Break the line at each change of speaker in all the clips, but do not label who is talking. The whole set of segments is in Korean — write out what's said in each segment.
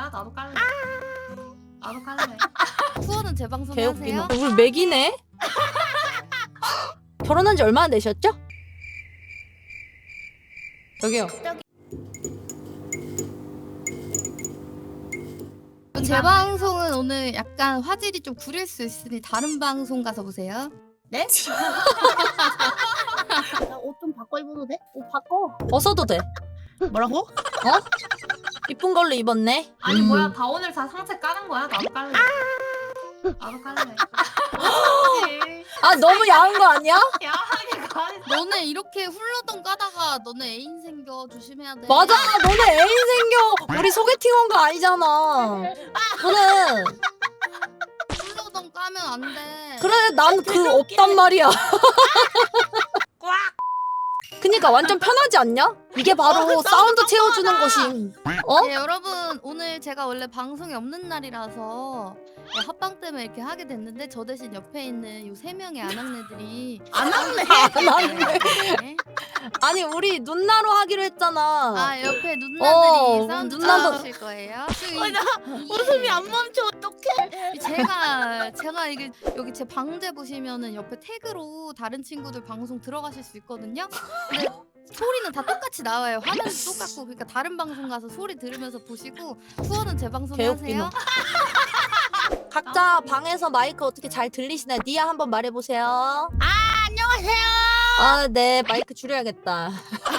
거야? 나도 깔래. 나도 깔래.
후원은 재방송
개웃기네.
하세요?
우리 맥이네? 결혼한 지 얼마나 되셨죠? 저기요.
재방송은 오늘 약간 화질이 좀 구릴 수 있으니 다른 방송 가서 보세요.
네? 옷 좀 바꿔 입어도 돼? 옷 바꿔.
벗어도 돼.
뭐라고?
이쁜 걸로 입었네.
아니 뭐야 다 오늘 다 상체 까는 거야? 나도 깔래. 나도 깔래.
아 너무 야한 거 아니야?
야하게 가네.
너네 이렇게 훌러덩 까다가 너네 애인 생겨 조심해야 돼.
맞아. 너네 애인 생겨. 우리 소개팅 온 거 아니잖아. 너는
훌러덩 까면 안 돼.
그래 난 그 없단 말이야. 그니까 완전 편하지 않냐? 이게 바로 사운드 채워주는 것이. 어?
네, 여러분 오늘 제가 원래 방송이 없는 날이라서 합방 때문에 이렇게 하게 됐는데 저 대신 옆에 있는 요 3명의 아낙네들이
안 왔네.
네.
아니 우리 눈나로 하기로 했잖아.
아 옆에 누나들이 사운드
누나도-
쳐주실 거예요.
나 웃음이 안 멈춰. 어떡해.
제가 이게 여기 제 방제 보시면은 옆에 태그로 다른 친구들 방송 들어가실 수 있거든요. 근데 소리는 다 똑같이 나와요. 화면도 똑같고 그러니까 다른 방송 가서 소리 들으면서 보시고 후원은 제 방송에
개웃기노.
하세요.
각자 방에서 마이크 어떻게 잘 들리시나요? 니아 한번 말해보세요.
안녕하세요.
아, 네 마이크 줄여야겠다.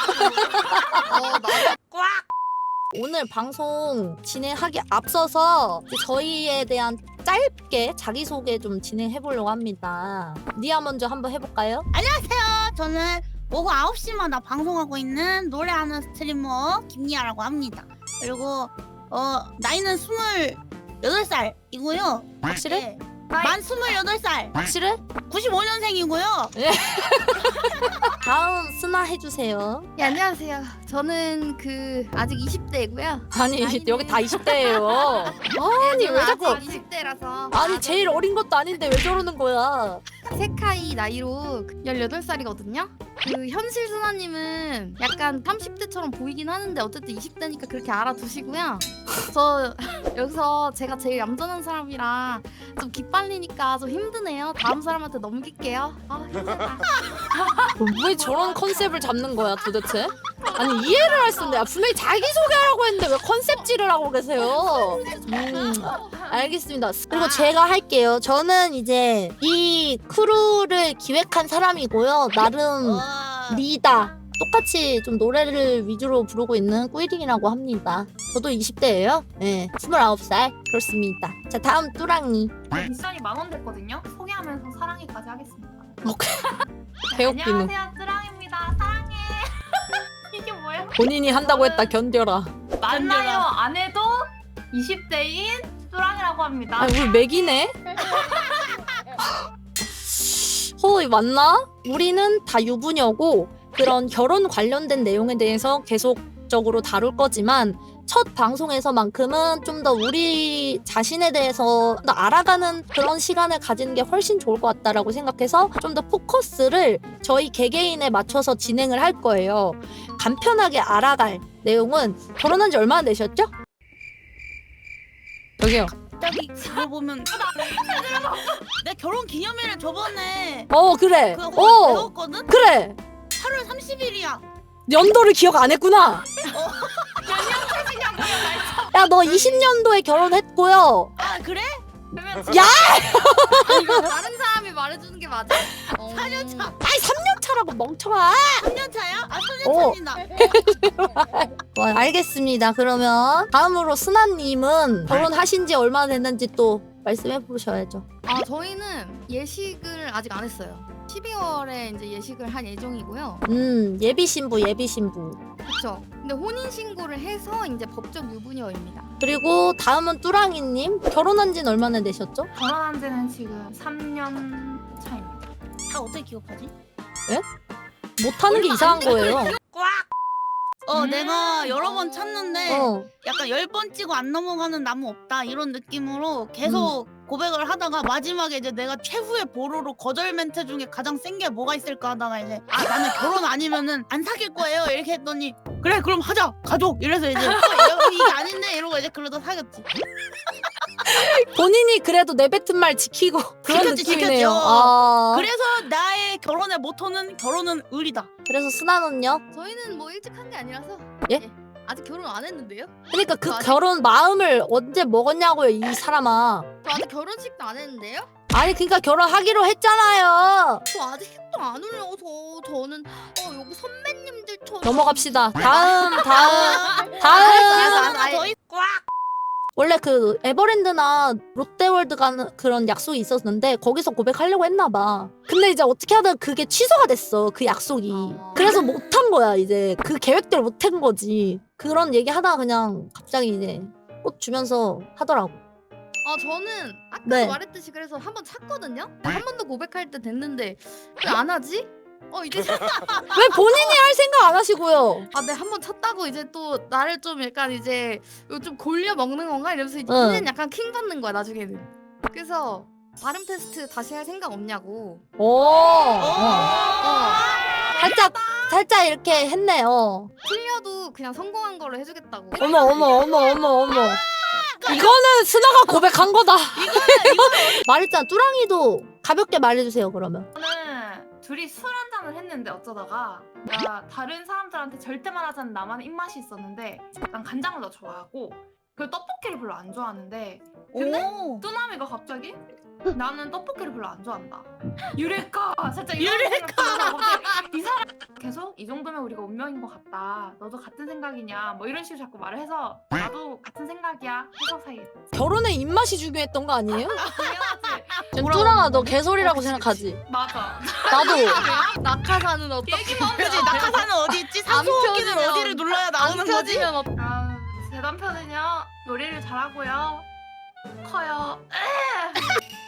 오늘 방송 진행하기 앞서서 이제 저희에 대한 짧게 자기소개 좀 진행해보려고 합니다. 니아 먼저 한번 해볼까요?
저는 오후 9시마다 방송하고 있는 노래하는 스트리머 김리아라고 합니다. 그리고 나이는 28살이고요.
확실해?
만 28살.
확실해?
95년생이고요.
다음 스나 해주세요.
네, 안녕하세요. 저는 아직 20대이고요.
아니 여기 다 20대예요. 아니 왜 자꾸
20대라서
아니 제일 어린 것도 아닌데 왜 저러는 거야?
세카이 나이로 18살이거든요. 현실 순아님은 약간 30대처럼 보이긴 하는데 어쨌든 20대니까 그렇게 알아두시고요. 저 여기서 제가 제일 얌전한 사람이라 좀 기빨리니까 좀 힘드네요. 다음 사람한테 넘길게요. 아 힘들다.
왜 저런 컨셉을 잡는 거야 도대체? 아니 이해를 할 수 없네. 분명히 자기소개하라고 했는데 왜 컨셉질을 하고 계세요? 알겠습니다. 그리고 제가 할게요. 저는 이제 이 크루를 기획한 사람이고요. 나름 리다. 똑같이 좀 노래를 위주로 부르고 있는 꾸이링이라고 합니다. 저도 20대예요. 네, 29살. 그렇습니다. 자, 다음 뚜랑이.
미션이 10,000원 됐거든요. 소개하면서 사랑해까지 하겠습니다.
개웃기는.
안녕하세요, 뚜랑입니다. 사랑해. 이게 뭐야?
본인이 한다고 했다 견뎌라.
만나요 안 해도 20대인 뚜랑이라고 합니다.
아, 우리 맥이네? 맞나? 우리는 다 유부녀고 그런 결혼 관련된 내용에 대해서 계속적으로 다룰 거지만 첫 방송에서만큼은 좀 더 우리 자신에 대해서 더 알아가는 그런 시간을 가지는 게 훨씬 좋을 것 같다라고 생각해서 좀 더 포커스를 저희 개개인에 맞춰서 진행을 할 거예요. 간편하게 알아갈 내용은 결혼한 지 얼마나 되셨죠? 여기요.
갑자기 그걸 보면 내 결혼 기념일을 저번에
그래.
배웠거든?
그래.
8월 30일이야.
연도를 기억 안 했구나. 야, 너 20년도에 결혼했고요.
아 그래?
그러면
야!
이거 다른 사람이 말해주는 게 맞아?
4년 차.
아이, 3년 차라고 멍청아.
3년 차야? 아 3년 차입니다.
알겠습니다. 그러면 다음으로 스나님은 결혼하신 지 얼마나 됐는지 또 말씀해 보셔야죠.
저희는 예식을 아직 안 했어요. 12월에 이제 예식을 할 예정이고요.
예비 신부.
그렇죠. 근데 혼인 신고를 해서 이제 법적 유부녀입니다.
그리고 다음은 뚜랑이님. 결혼한 지는 얼마나 되셨죠?
결혼한 지는 지금 3년 차입니다.
다 어떻게 기억하지?
못하는 게 이상한 거예요.
내가 여러 번 찾는데 약간 10번 찍고 안 넘어가는 나무 없다 이런 느낌으로 계속 고백을 하다가 마지막에 이제 내가 최후의 보루로 거절 멘트 중에 가장 센 게 뭐가 있을까 하다가 이제 나는 결혼 아니면은 안 사귈 거예요 이렇게 했더니 그래 그럼 하자 가족 이래서 이제 이게 아닌데 이러고 이제 그러다 사귀었지.
본인이 그래도 내뱉은 말 지키고 그런
지켰지,
느낌이네요.
지켰죠.
아.
그래서 나의 결혼의 모토는 결혼은 의리다.
그래서 순아는요?
저희는 뭐 일찍 한 게 아니라서
예?
아직 결혼 안 했는데요?
그러니까 그
아직-
결혼 마음을 언제 먹었냐고요, 이 사람아.
저 아직 결혼식도 안 했는데요?
아니 그러니까 결혼하기로 했잖아요.
저 아직도 안 올려서 저는 여기 선배님들처럼
넘어갑시다. 다음.
하나 더 있고.
원래 그 에버랜드나 롯데월드 가는 그런 약속이 있었는데 거기서 고백하려고 했나 봐. 근데 이제 어떻게 하다가 그게 취소가 됐어. 그 약속이. 그래서 못한 거야 이제. 그 계획대로 못한 거지. 그런 얘기 하다가 그냥 갑자기 이제 꽃 주면서 하더라고.
저는 아까
네.
말했듯이 그래서 한 번 찼거든요? 한 번도 고백할 때 됐는데 왜 안 하지? 이제
왜 본인이 할 생각 안 하시고요?
네, 한 번 찼다고 이제 또 나를 좀 약간 이제 이거 좀 골려 먹는 건가 이러면서 이제
응.
는 약간 킹 받는 거야 나중에는. 그래서 발음 테스트 다시 할 생각 없냐고.
살짝 이렇게 했네요.
틀려도 그냥 성공한 걸로 해주겠다고.
어머. 이거는 스나가 고백한 거다. 말했잖아. 뚜랑이도 가볍게 말해주세요 그러면.
저는 둘이 술 한잔을 했는데 어쩌다가 나 다른 사람들한테 절대 말하지 않는 나만의 입맛이 있었는데 난 간장을 더 좋아하고 그 떡볶이를 별로 안 좋아하는데 근데 뚜나미가 갑자기 나는 떡볶이를 별로 안 좋아한다. 유레카 살짝 이런 생각 이 사람 계속 이 정도면 우리가 운명인 것 같다. 너도 같은 생각이냐 뭐 이런 식으로 자꾸 말을 해서 나도 같은 생각이야 해서 사이했지.
결혼에 입맛이 중요했던 거 아니에요?
당연하지.
뚜랑아 너 개소리라고 생각하지?
맞아.
나도.
낙하산은 어떻게?
그지 낙하산은 어디 있지?
안
산소호흡기는
펴지면-
어디를 눌러야
안
나오는 거지?
펴지면
제 남편은요 요리를 잘하고요 커요.